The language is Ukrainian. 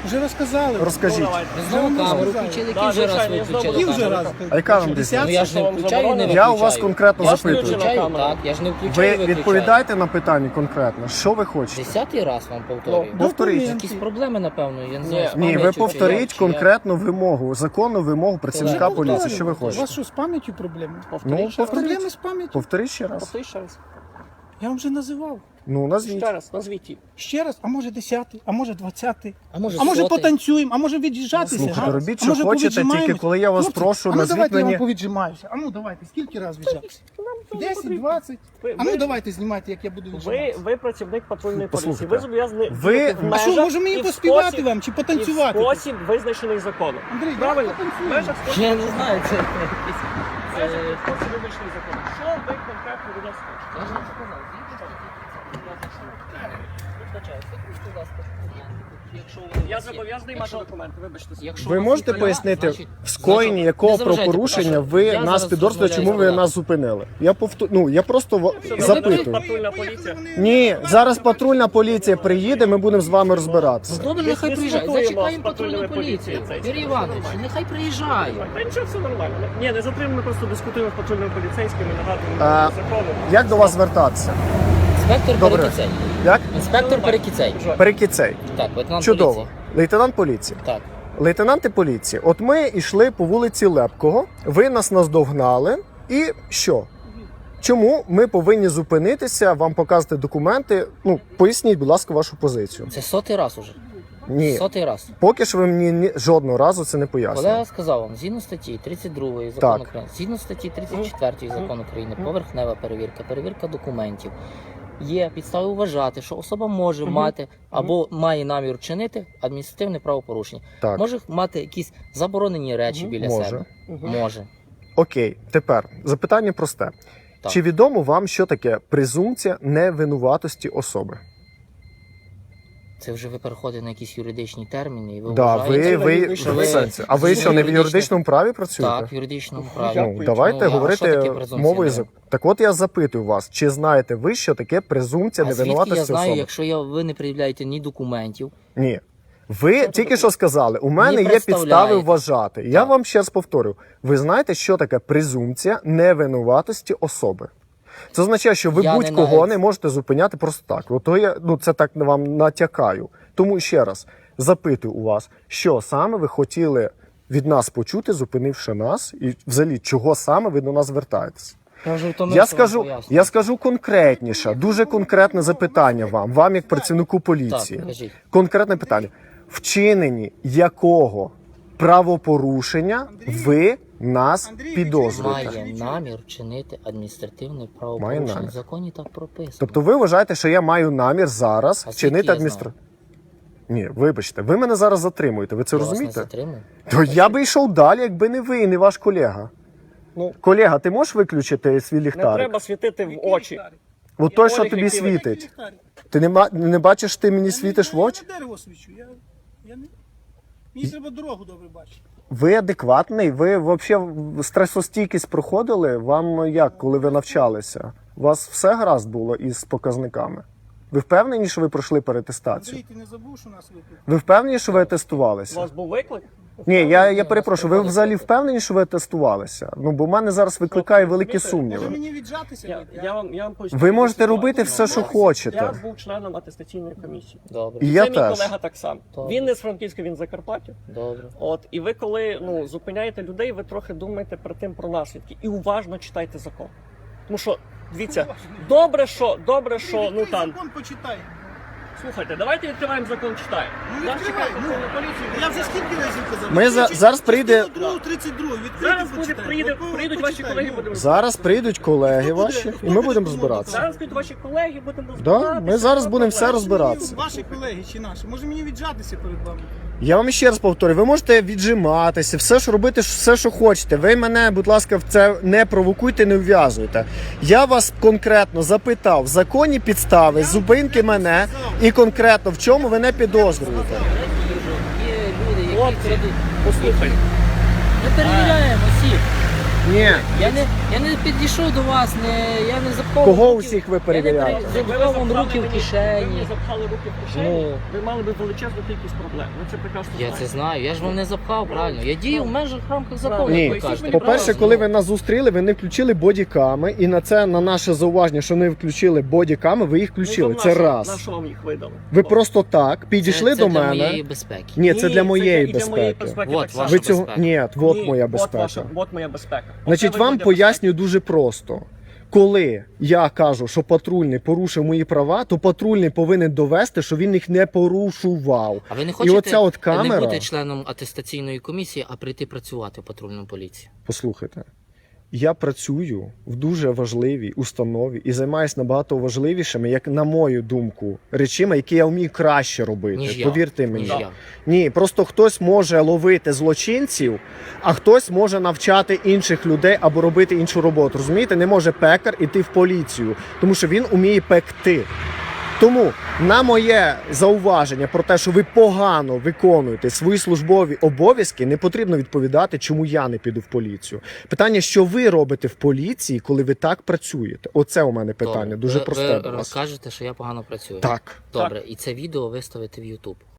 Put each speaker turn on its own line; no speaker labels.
Вже розказали.
Розкажіть.
Знову камеру включили, який вже раз ви включили
І вже
камеру?
раз.
А яка вам
Десятка?
Ну я ж не включаю і не виключаю.
Я у вас конкретно
Я ж
запитую.
включаю, так, я ж не включаю
Ви
і виключаю.
відповідаєте на питання конкретно, що ви хочете?
10-й раз вам повторюю.
Повторіть.
Якісь проблеми, напевно, я не знаю. з
Ні, ви
пам'яттю,
повторіть
чи як.
конкретну вимогу, законну вимогу працівника
Колеги,
поліції. Що ви
У
хочете?
вас що, з пам'яттю проблеми?
Ну,
Проблеми
повторіть.
з пам'яттю?
Повторіть ще раз.
Повтори ще раз.
Я вам вже називав.
Ну, назвіть.
Ще раз, назвіть її.
Ще раз, а може 10-й, а може 20-й,
А може
а може
100-й?
потанцюємо, а може від'їжджатися.
Слухайте,
га?
робіть,
А
що
може
хочете,
повіджимаємось?
тільки коли я вас
Хлопці,
прошу,
а ну
назвіть
давайте я
мені-
вам повіджимаюся. А ну давайте, скільки разів віджався? 10, 20. А ну давайте знімайте, як я буду віджиматися.
Ви працівник патрульної поліції.
Послухайте,
Ви зобов'язані
ви-
діяти в
А що,
межах
може мені
і в
поспівати
спосіб-
вам чи
і в
потанцювати?
спосіб визначений законом.
Андрій, давай
Правильно? В
потанцюємо.
межах спосіб
Я не знаю, це якийсь...
визначений законом. Що ви конкретно від нас хочете?
Я ж вам сказав, будь ласка, якщо вони
Я
у вас є.
зобов'язаний мати документи, вибачте.
Якщо
Ви
у вас
можете
є,
пояснити,
значить,
в скоєнні
не
якого
заважайте,
правопорушення
будь
ви
ласка. Я
нас
зараз
підозрюєте, чому ви
розмовляю з
нас зупинили? Я просто запитую.
Патрульна поліція.
Ні, зараз патрульна поліція приїде, ми будемо з вами розбиратися.
Добре, нехай
Ми
приїжджає.
спілкуємося
Зачекаємо
з патрульною
патрульну поліцію.
поліцією.
Юрій Іванович, нехай приїжджає.
Та нічого, все нормально. Ні, не затримуємо, ми просто дискутуємо з патрульними поліцейськими,
А,
нагадуємо закону.
Як до вас звертатися?
Інспектор
Добре.
Перекіцей.
Як?
Інспектор Перекіцей.
Перекіцей.
Так, лейтенант
Чудово.
поліції.
Лейтенант поліції.
Так.
Лейтенанти поліції, от ми йшли по вулиці Лепкого, ви нас наздогнали, і що? Чому ми повинні зупинитися, вам показати документи? Ну, поясніть, будь ласка, вашу позицію.
Це 100-й раз уже.
Ні,
100-й раз.
поки що ви мені жодного разу це не пояснили.
Колега сказав вам, згідно статті 32 закону України, згідно статті 34 закону України, поверхнева перевірка, перевірка документів. Є підстави вважати, що особа може мати або має намір вчинити адміністративне правопорушення.
Так.
Може мати якісь заборонені речі біля
Може.
себе. Може.
Окей, тепер запитання просте.
Так.
Чи відомо вам, що таке презумпція невинуватості особи?
Це вже ви переходите на якісь юридичні терміни, і ви
Да,
вважаєте,
ви в сенсі. А ви що, не в юридичному праві працюєте?
Так, в юридичному
Ну,
праві.
давайте
Ну, а що
говорити
таке презумпція
мовою
невини?
Так от я запитую вас, чи знаєте ви, що таке презумпція
А звідки
невинуватості
я знаю,
особи?
якщо ви не пред'являєте ні документів?
Ні. Ви тільки що сказали, у мене є підстави
представляєте.
вважати. Я вам ще раз повторю. Ви знаєте, що таке презумпція невинуватості особи? Це означає, що ви
Я не
будь-кого
навіть-
не можете зупиняти просто так. Ото я це так вам натякаю. Тому ще раз запитую у вас, що саме ви хотіли від нас почути, зупинивши нас, і взагалі чого саме ви до нас звертаєтесь?
Я вже втомився вам пояснювати.
Я скажу конкретніше, дуже конкретне запитання вам як працівнику поліції.
Так, кажіть.
Конкретне питання. Вчинені якого правопорушення ви нас підозрюєте?
Має намір вчинити адміністративне
Має
правопорушення.
намір.
В законі так прописано.
Тобто ви вважаєте, що я маю намір зараз
А звідки
вчинити
я
адміністративне? Ні, вибачте, ви мене зараз затримуєте, ви це
Я вас не
розумієте?
затримую.
То я би йшов далі, якби не ви і не ваш колега.
Ну,
Колега, ти можеш виключити свій
не
ліхтарик?
треба світити в очі.
От той, що
Олег,
тобі
який ви-
світить. Ти не бачиш, ти мені світиш в очі?
Я на дерево свічу. Я не... Мені треба дорогу добре бачити.
Ви адекватний? Ви взагалі стресостійкість проходили? Вам як, коли ви навчалися? У вас все гаразд було із показниками? Ви впевнені, що ви пройшли перетестацію?
Андрій, ти не забув, що нас викликали?
Ви впевнені, що ви
У
тестувалися?
вас був виклик?
Ні, я перепрошую, ви взагалі впевнені, що ви тестувалися? Ну, бо в мене зараз викликає великі
Може
сумніви.
мені віджатися?
Я вам поясню.
Ви можете робити все, що
Я
хочете.
був членом атестаційної комісії.
Добре,
І
Це
я
мій
теж.
колега так само.
Добре.
Він не з Франківська, він з Закарпаття.
добре.
От, і ви коли зупиняєте людей, ви трохи думаєте про наслідки і уважно читайте закон. Тому що, дивіться, добре, що ну там.
Закон почитай.
Слухайте, давайте відкриваємо закон, читаємо.
Ну,
Нас
відкривай,
чекає патрульна поліція.
Я вже скільки разів казав?
Ми зараз прийде-
32,
Зараз прийдуть ваші колеги, будемо
Зараз прийдуть колеги ваші, і ми будемо розбиратися.
Зараз прийдуть ваші колеги, будемо
Да,
розбиратися.
ми зараз будемо все розбиратися.
Ваші колеги чи наші? Може мені віджатися перед вами?
Я вам ще раз повторю, ви можете віджиматися, все ж робити, все, що хочете. Ви мене, будь ласка, в це не провокуйте, не вв'язуйте. Я вас конкретно запитав, законні підстави, зупинки мене і конкретно в чому ви не підозрюєте.
Є люди, які
Хлопці,
крадуть.
послухайте.
Ми перевіряємо всіх.
Ні.
Я не підійшов до вас, я не запхав.
Кого
руки-
усіх ви
Я
перевіряли?
не запхав вам руки в
Ви
кишені.
запхали руки в кишені,
Ну.
ви мали би величезну кількість проблем. Ви це прекрасно
Я
знаєте.
це знаю, я ж вам не запхав, правильно. Я дію в межах рамках закону,
Ні,
як ви кажете.
по-перше,
правильно?
коли ви нас зустріли, ви не включили бодіками, і на наше зауваження, що не включили бодіками, ви їх включили.
Ну, то
Це
на
раз.
що вам їх видали?
Ви просто так підійшли
це
до
для
мене.
моєї безпеки.
Ні, це для моєї
і для моєї
безпеки.
безпеки
Вот
так само.
ваша
Ви цього
безпека.
ні, от
Ні,
моя
от
безпека.
от моя безпека.
Значить,
Оце
вам
ви для
пояснюю дуже просто. Коли я кажу, що патрульний порушив мої права, то патрульний повинен довести, що він їх не порушував.
А ви не
І
хочете
оця от
не
камера,
бути членом атестаційної комісії, а прийти працювати в патрульну поліцію?
послухайте, я працюю в дуже важливій установі і займаюся набагато важливішими, як на мою думку, речами, які я вмію краще робити.
Ніж я.
Повірте мені.
Ніж я.
Ні, просто хтось може ловити злочинців, а хтось може навчати інших людей або робити іншу роботу. Розумієте, не може пекар іти в поліцію, тому що він уміє пекти. Тому на моє зауваження про те, що ви погано виконуєте свої службові обов'язки, не потрібно відповідати, чому я не піду в поліцію. Питання, що ви робите в поліції, коли ви так працюєте? Оце у мене питання,
Добре.
дуже просте
Ви
до вас.
кажете, що я погано працюю.
Так.
Добре, і це відео виставити в YouTube.